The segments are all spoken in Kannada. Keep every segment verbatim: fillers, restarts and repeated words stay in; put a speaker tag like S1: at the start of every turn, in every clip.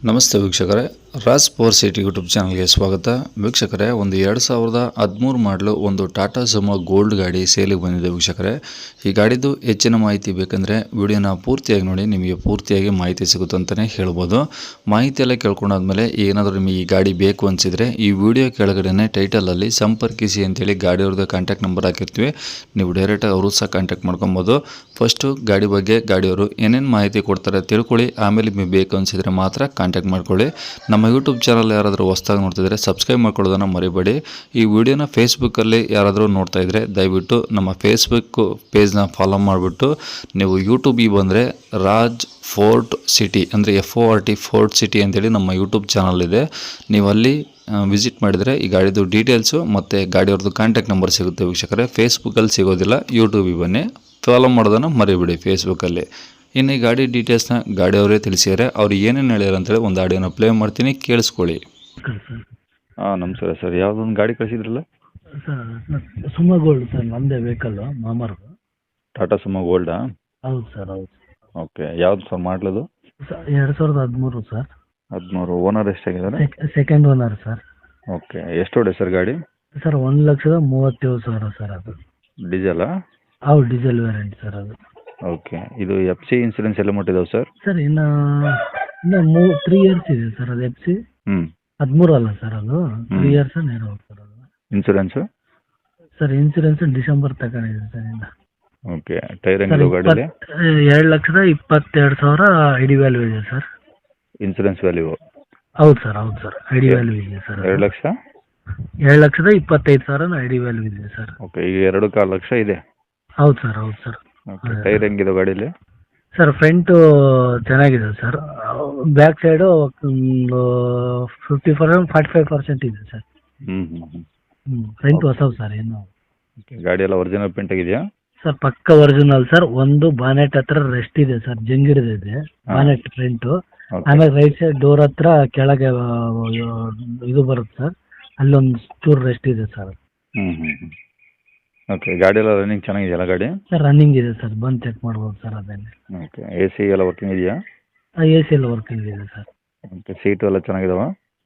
S1: ನಮಸ್ತೆ ವೀಕ್ಷಕರೇ, ರಾಜ್ ಪವರ್ ಸಿಟಿ ಯೂಟ್ಯೂಬ್ ಚಾನಲ್ಗೆ ಸ್ವಾಗತ. ವೀಕ್ಷಕರೇ, ಒಂದು ಎರಡು ಸಾವಿರದ ಹದಿಮೂರು ಮಾಡಲು ಒಂದು ಟಾಟಾ ಸುಮೋ ಗೋಲ್ಡ್ ಗಾಡಿ ಸೇಲಿಗೆ ಬಂದಿದೆ. ವೀಕ್ಷಕರೇ, ಈ ಗಾಡಿದು ಹೆಚ್ಚಿನ ಮಾಹಿತಿ ಬೇಕಂದರೆ ವಿಡಿಯೋನ ಪೂರ್ತಿಯಾಗಿ ನೋಡಿ, ನಿಮಗೆ ಪೂರ್ತಿಯಾಗಿ ಮಾಹಿತಿ ಸಿಗುತ್ತೆ ಅಂತಲೇ ಹೇಳ್ಬೋದು. ಮಾಹಿತಿ ಎಲ್ಲ ಕೇಳ್ಕೊಂಡಾದ್ಮೇಲೆ ಏನಾದರೂ ನಿಮಗೆ ಈ ಗಾಡಿ ಬೇಕು ಅನಿಸಿದರೆ ಈ ವಿಡಿಯೋ ಕೆಳಗಡೆ ಟೈಟಲಲ್ಲಿ ಸಂಪರ್ಕಿಸಿ ಅಂತೇಳಿ ಗಾಡಿಯವ್ರದ್ದು ಕಾಂಟ್ಯಾಕ್ಟ್ ನಂಬರ್ ಹಾಕಿರ್ತೀವಿ. ನೀವು ಡೈರೆಕ್ಟಾಗಿ ಅವರು ಸಹ ಕಾಂಟ್ಯಾಕ್ಟ್ ಮಾಡ್ಕೊಬೋದು. ಫಸ್ಟು ಗಾಡಿ ಬಗ್ಗೆ ಗಾಡಿಯವರು ಏನೇನು ಮಾಹಿತಿ ಕೊಡ್ತಾರೆ ತಿಳ್ಕೊಳ್ಳಿ, ಆಮೇಲೆ ನಿಮಗೆ ಬೇಕು ಅನಿಸಿದರೆ ಮಾತ್ರ ಕಾಂಟ್ಯಾಕ್ಟ್ ಮಾಡ್ಕೊಳ್ಳಿ. ನಮ್ಮ ಯೂಟ್ಯೂಬ್ ಚಾನಲ್ ಯಾರಾದರೂ ಹೊಸದಾಗಿ ನೋಡ್ತಿದ್ರೆ ಸಬ್ಸ್ಕ್ರೈಬ್ ಮಾಡ್ಕೊಳ್ಳೋದನ್ನು ಮರಿಬೇಡಿ. ಈ ವಿಡಿಯೋನ ಫೇಸ್ಬುಕ್ಕಲ್ಲಿ ಯಾರಾದರೂ ನೋಡ್ತಾ ಇದ್ದರೆ ದಯವಿಟ್ಟು ನಮ್ಮ ಫೇಸ್ಬುಕ್ ಪೇಜ್ನ ಫಾಲೋ ಮಾಡಿಬಿಟ್ಟು ನೀವು ಯೂಟ್ಯೂಬಿಗೆ ಬಂದರೆ ರಾಜ್ ಫೋರ್ಟ್ ಸಿಟಿ ಅಂದರೆ F O R T fort city ಅಂತೇಳಿ ನಮ್ಮ ಯೂಟ್ಯೂಬ್ ಚಾನಲ್ ಇದೆ. ನೀವು ಅಲ್ಲಿ ವಿಸಿಟ್ ಮಾಡಿದರೆ ಈ ಗಾಡಿದು ಡೀಟೇಲ್ಸು ಮತ್ತು ಗಾಡಿಯವ್ರದ್ದು ಕಾಂಟ್ಯಾಕ್ಟ್ ನಂಬರ್ ಸಿಗುತ್ತೆ. ವೀಕ್ಷಕರೇ, ಫೇಸ್ಬುಕ್ಕಲ್ಲಿ ಸಿಗೋದಿಲ್ಲ, ಯೂಟ್ಯೂಬಿಗೆ ಬನ್ನಿ, ಫಾಲೋ ಮಾಡೋದನ್ನು ಮರಿಬೇಡಿ ಫೇಸ್ಬುಕ್ಕಲ್ಲಿ. ಇನ್ನು ಈ ಗಾಡಿ ಡೀಟೇಲ್ಸ್ನ ಗಾಡಿಯವರೇ ತಿಳಿಸಿದ್ದಾರೆ. ಅವ್ರು ಏನೇನು ಹೇಳ್ಯಾರ ಅಂತೇಳಿ ಒಂದು ಆಡಿಯೋನ ಪ್ಲೇ ಮಾಡ್ತೀನಿ, ಕೇಳಿಸ್ಕೊಳ್ಳಿ. ಹಾಂ, ನಮಸ್ಕಾರ ಸರ್. ಯಾವುದೊಂದು ಗಾಡಿ ಕಳಿಸಿದ್ರಲ್ಲ
S2: ಸರ್? ಸುಮೋ ಗೋಲ್ಡ್ ಸರ್, ನಮ್ಮದೇ ವೆಹಿಕಲ್ಲು, ಮಾಮರ್ದು.
S1: ಟಾಟಾ ಸುಮೋ ಗೋಲ್ಡಾ?
S2: ಹೌದು ಸರ್, ಹೌದು.
S1: ಓಕೆ, ಯಾವ್ದು ಸರ್ ಮಾಡಲದು?
S2: ಸರ್ ಎರಡು ಸಾವಿರದ ಹದಿಮೂರು ಸರ್.
S1: ಹದಿಮೂರು. ಓನರ್ ಎಷ್ಟಾಗಿದ್ದಾರೆ?
S2: Second owner sir.
S1: ಓಕೆ, ಎಷ್ಟು ಹೊಡೆ ಸರ್ ಗಾಡಿ?
S2: ಸರ್ ಒಂದು ಲಕ್ಷದ ಮೂವತ್ತೇಳು ಸಾವಿರ ಸರ್. ಅದು
S1: ಡೀಸೆಲಾ?
S2: ಹೌದು, ಡೀಸೆಲ್ ವೇರಿಯಂಟ್ ಸರ್ ಅದು.
S1: ಓಕೆ, ಇದು ಎಫ್ ಸಿ ಇನ್ಸೂರೆನ್ಸ್ ಎಲ್ಲ ಮುಟ್ಟಿದಾವೆ ಸರ್?
S2: ಸರ್ ಇನ್ನು ಇನ್ನು ಮೂ ತ್ರೀ ಇಯರ್ಸ್ ಇದೆ ಸರ್ ಅದು ಎಫ್ ಸಿ.
S1: ಹ್ಞೂ,
S2: ಹದಿಮೂರು ಅಲ್ಲ ಸರ್, ಅದು ತ್ರೀ ಇಯರ್ಸ್ ನೇರ ಸರ್ ಅದು.
S1: ಇನ್ಸೂರೆನ್ಸು?
S2: ಸರ್ ಇನ್ಸೂರೆನ್ಸ್ ಡಿಸೆಂಬರ್ ತಗೊಂಡಿದೆ ಸರ್ ಇನ್ನು.
S1: ಓಕೆ, ಟೈರ್ ಹೆಂಗಿದೆ ಗಾಡಿಯಲ್ಲಿ?
S2: ಎರಡು ಲಕ್ಷದ ಇಪ್ಪತ್ತೆರಡು ಸಾವಿರ ಐ ಡಿ ವ್ಯಾಲ್ಯೂ ಇದೆ ಸರ್.
S1: Insurance value?
S2: ಹೌದು ಸರ್, ಹೌದು ಸರ್, ಐ ಡಿ ವ್ಯಾಲ್ಯೂ ಇದೆ ಸರ್.
S1: ಎರಡು ಲಕ್ಷ
S2: ಎರಡು ಲಕ್ಷದ ಇಪ್ಪತ್ತೈದು ಸಾವಿರ ಐ ಡಿ ವ್ಯಾಲ್ಯೂ ಇದೆ ಸರ್.
S1: ಓಕೆ, ಈಗ ಎರಡು ಕಾಲು ಲಕ್ಷ ಇದೆ.
S2: ಹೌದು ಸರ್, ಹೌದು ಸರ್.
S1: ಓಕೆ, ಟೈರ್ ಹೆಂಗಿದೆ ಗಾಡೀಲಿ?
S2: ಸರ್ ಫ್ರಂಟು ಚೆನ್ನಾಗಿದೆ sir. Back side fifty percent forty five percent ಇದೆ ಸರ್.
S1: ಹ್ಞೂ ಹ್ಞೂ ಹ್ಞೂ
S2: ಹ್ಞೂ ಫ್ರಂಟ್ ಹೊಸವು ಸರ್ ಏನು.
S1: ಓಕೆ, ಗಾಡಿ ಎಲ್ಲ ಒರಿಜಿನಲ್ ಪೇಂಟ್ ಆಗಿದೆಯಾ?
S2: ಸರ್ ಪಕ್ಕ ಒರಿಜಿನಲ್ ಸರ್. ಒಂದು ಬಾನೆಟ್ ಹತ್ರ ರೆಸ್ಟ್ ಇದೆ ಸರ್, ಜಂಗಿಡಿದೆ ಬಾನೆಟ್ ಫ್ರಂಟು. ಆಮೇಲೆ ರೈಟ್ ಸೈಡ್ ಡೋರ್ ಹತ್ರ ಕೆಳಗೆ ಆ, ಇದು ಬರುತ್ತೆ ಸರ್, ಅಲ್ಲೊಂದು ಚೂರು ರೆಸ್ಟ್ ಇದೆ ಸರ್.
S1: ಹ್ಞೂ ಹ್ಞೂ ಹ್ಞೂ ಓಕೆ, ಗಾಡಿ ಎಲ್ಲ ರನ್ನಿಂಗ್ ಚೆನ್ನಾಗಿದೆಯಲ್ಲ ಗಾಡಿ?
S2: ಸರ್ ರನ್ನಿಂಗ್ ಇದೆ ಸರ್, ಬಂದು ಚೆಕ್ ಮಾಡ್ಬೋದು ಸರ್ ಅದೇನೆ.
S1: ಓಕೆ, ಎ ಸಿ ಎಲ್ಲ ವರ್ಕಿಂಗ್ ಇದೆಯಾ?
S2: ಎ ಸಿ ಎಲ್ಲ ವರ್ಕಿಂಗ್ ಇದೆ ಸರ್.
S1: ಓಕೆ, ಸೀಟು ಎಲ್ಲ ಚೆನ್ನಾಗಿದಾವ?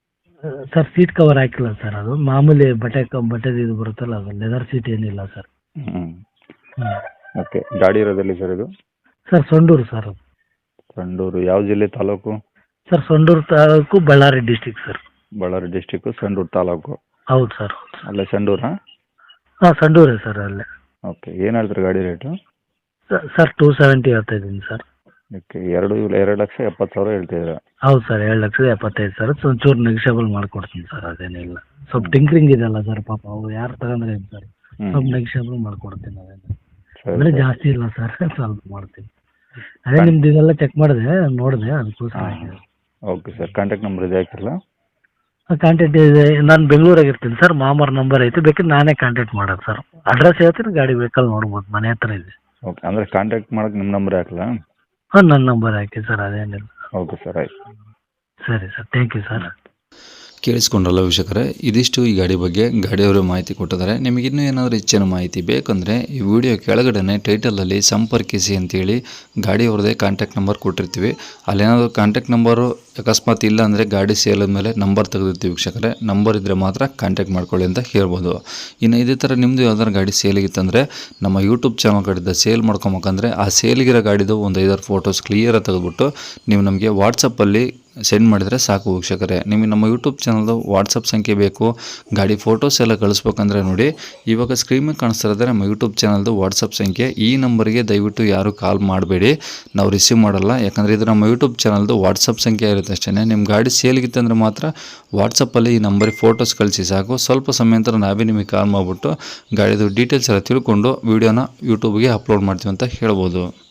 S2: ಸರ್ ಸೀಟ್ ಕವರ್ ಹಾಕಿಲ್ಲ ಸರ್, ಅದು ಮಾಮೂಲಿ ಬಟ್ಟೆ ಕ ಬಟ್ಟೆದು ಇದು ಬರುತ್ತಲ್ಲ, ಅದು ಲೆದರ್ ಸೀಟ್ ಏನಿಲ್ಲ ಸರ್.
S1: ಹ್ಞೂ
S2: ಹ್ಞೂ
S1: ಓಕೆ, ಗಾಡಿ ಇರೋದಲ್ಲಿ ಸರ್ ಇದು?
S2: ಸರ್ ಸೊಂಡೂರು ಸರ್ ಅದು.
S1: ಸಂಡೂರು ಯಾವ ಜಿಲ್ಲೆ, taluk?
S2: Sir Sandur taluk, Bellary district sir.
S1: Bellary district, Sandur taluk.
S2: ಹೌದು ಸರ್.
S1: ಅಲ್ಲೇ ಸಂಡೂರಾ?
S2: ಹಾಂ ಸಂಡೂರೇ ಸರ್ ಅಲ್ಲೇ.
S1: ಓಕೆ, ಏನು ಹೇಳ್ತಾರೆ ಗಾಡಿ ರೇಟು?
S2: ಸ- ಸರ್ ಟೂ ಸೆವೆಂಟಿ ಹೇಳ್ತಾ ಇದ್ದೀನಿ ಸರ್.
S1: ಓಕೆ, ಎರಡು ಎರಡು ಲಕ್ಷ ಎಪ್ಪತ್ತು ಸಾವಿರ ಹೇಳ್ತಿದ್ದೀರಾ?
S2: ಹೌದು ಸರ್, ಏಳು ಲಕ್ಷದ ಎಪ್ಪತ್ತೈದು ಸಾವಿರ. ಸೊ ಒಂಚೂರು ನೆಗಿಷಿಯಬಲ್ ಮಾಡ್ಕೊಡ್ತೀನಿ ಸರ್, ಅದೇನಿಲ್ಲ. ಸ್ವಲ್ಪ ಟಿಂಕ್ರಿಂಗ್ ಇದೆಯಲ್ಲ ಸರ್, ಪಾಪ ಅವ್ರು ಯಾರು ತಗೊಂಡ್ರೆ ಏನು ಸರ್, ಸ್ವಲ್ಪ ನೆಗಿಷಿಯಬಲ್ ಮಾಡ್ಕೊಡ್ತೀನಿ ಅದೇನು. ಅಂದರೆ ಜಾಸ್ತಿ ಇಲ್ಲ ಸರ್, ಸ್ವಲ್ಪ ಮಾಡ್ತೀನಿ. ಅದೇ ನಿಮ್ದು ಇದೆಲ್ಲ ಚೆಕ್ ಮಾಡಿದೆ, ನೋಡಿದೆ, ಅದಕ್ಕೋಸ್ಕರ ಆಗಿದೆ.
S1: ಓಕೆ ಸರ್, ಕಾಂಟ್ಯಾಕ್ಟ್ ನಂಬರ್ ಇದೆ ಹಾಕಿರಲ್ಲ?
S2: ಕಾಂಟ್ಯಾಕ್ಟ್ ಇದೆ, ನಾನು ಬೆಂಗಳೂರಾಗ ಇರ್ತೀನಿ ಸರ್. ಮಾಮರ್ ನಂಬರ್ ಐತೆ, ಬೇಕಿದ್ರೆ ನಾನೇ ಕಾಂಟ್ಯಾಕ್ಟ್ ಮಾಡೋದು ಸರ್. ಅಡ್ರೆಸ್ ಹೇಳ್ತೀನಿ, ಗಾಡಿ ವೆಹಿಕಲ್ ನೋಡ್ಬೋದು, ಮನೆ ಹತ್ರ ಇದೆ.
S1: ಓಕೆ, ಅಂದರೆ ಕಾಂಟ್ಯಾಕ್ಟ್ ಮಾಡೋಕೆ ನಿಮ್ಮ ನಂಬರ್ ಹಾಕಲ್ಲ?
S2: ಹಾಂ ನನ್ನ ನಂಬರ್ ಹಾಕಿ ಸರ್, ಅದೇನಿಲ್ಲ.
S1: ಓಕೆ ಸರ್, ಆಯ್ತು.
S2: ಸರಿ ಸರ್, ಥ್ಯಾಂಕ್ ಯು ಸರ್.
S1: ಕೇಳಿಸ್ಕೊಂಡ್ರಲ್ಲ ವೀಕ್ಷಕರೇ, ಇದಿಷ್ಟು ಈ ಗಾಡಿ ಬಗ್ಗೆ ಗಾಡಿಯವರು ಮಾಹಿತಿ ಕೊಟ್ಟಿದ್ದಾರೆ. ನಿಮಗಿನ್ನೂ ಏನಾದರೂ ಹೆಚ್ಚಿನ ಮಾಹಿತಿ ಬೇಕಂದರೆ ಈ ವಿಡಿಯೋ ಕೆಳಗಡೆ ಟೈಟಲಲ್ಲಿ ಸಂಪರ್ಕಿಸಿ ಅಂತೇಳಿ ಗಾಡಿಯವ್ರದ್ದೇ ಕಾಂಟ್ಯಾಕ್ಟ್ ನಂಬರ್ ಕೊಟ್ಟಿರ್ತೀವಿ. ಅಲ್ಲೇನಾದರೂ ಕಾಂಟ್ಯಾಕ್ಟ್ ನಂಬರು ಅಕಸ್ಮಾತ್ ಇಲ್ಲ ಅಂದರೆ ಗಾಡಿ ಸೇಲ್ ಮೇಲೆ ನಂಬರ್ ತೆಗೆದಿರ್ತೀವಿ ವೀಕ್ಷಕರೇ. ನಂಬರ್ ಇದ್ದರೆ ಮಾತ್ರ ಕಾಂಟ್ಯಾಕ್ಟ್ ಮಾಡ್ಕೊಳ್ಳಿ ಅಂತ ಹೇಳ್ಬೋದು. ಇನ್ನು ಇದೇ ಥರ ನಿಮ್ಮದು ಯಾವ್ದಾದ್ರು ಗಾಡಿ ಸೇಲಿಗಿತ್ತಂದರೆ ನಮ್ಮ ಯೂಟ್ಯೂಬ್ ಚಾನಲ್ ಕಡೆಯಿಂದ ಸೇಲ್ ಮಾಡ್ಕೊಬೇಕಂದ್ರೆ ಆ ಸೇಲಿಗಿರೋ ಗಾಡಿದು ಒಂದು ಐದಾರು ಫೋಟೋಸ್ ಕ್ಲಿಯರಾಗಿ ತೆಗೆದುಬಿಟ್ಟು ನೀವು ನಮಗೆ ವಾಟ್ಸಪ್ಪಲ್ಲಿ ಸೆಂಡ್ ಮಾಡಿದರೆ ಸಾಕು ವೀಕ್ಷಕರೇ. ನಿಮಗೆ ನಮ್ಮ ಯೂಟ್ಯೂಬ್ ಚಾನಲ್ದು ವಾಟ್ಸಪ್ ಸಂಖ್ಯೆ ಬೇಕು, ಗಾಡಿ ಫೋಟೋಸ್ ಎಲ್ಲ ಕಳಿಸ್ಬೇಕಂದ್ರೆ ನೋಡಿ, ಇವಾಗ ಸ್ಕ್ರೀನ್ ಮೇಲೆ ಕಾಣಿಸ್ತಿರೋದ್ರೆ ನಮ್ಮ ಯೂಟ್ಯೂಬ್ ಚಾನಲ್ದು ವಾಟ್ಸಪ್ ಸಂಖ್ಯೆ. ಈ ನಂಬರ್ಗೆ ದಯವಿಟ್ಟು ಯಾರು ಕಾಲ್ ಮಾಡಬೇಡಿ, ನಾವು ರಿಸೀವ್ ಮಾಡಲ್ಲ. ಯಾಕಂದರೆ ಇದು ನಮ್ಮ ಯೂಟ್ಯೂಬ್ ಚಾನಲ್ದು ವಾಟ್ಸಪ್ ಸಂಖ್ಯೆ ಇರುತ್ತೆ ಅಷ್ಟೇ. ನಿಮ್ಮ ಗಾಡಿ ಸೇಲ್ಗಿತ್ತಂದರೆ ಮಾತ್ರ ವಾಟ್ಸಪ್ಪಲ್ಲಿ ಈ ನಂಬರಿಗೆ ಫೋಟೋಸ್ ಕಳಿಸಿ ಸಾಕು. ಸ್ವಲ್ಪ ಸಮಯ ನಂತರ ನಾವೇ ನಿಮಗೆ ಕಾಲ್ ಮಾಡಿಬಿಟ್ಟು ಗಾಡಿದು ಡೀಟೇಲ್ಸ್ ಎಲ್ಲ ತಿಳ್ಕೊಂಡು ವೀಡಿಯೋನ ಯೂಟ್ಯೂಬ್ಗೆ ಅಪ್ಲೋಡ್ ಮಾಡ್ತೀವಿ ಅಂತ ಹೇಳ್ಬೋದು.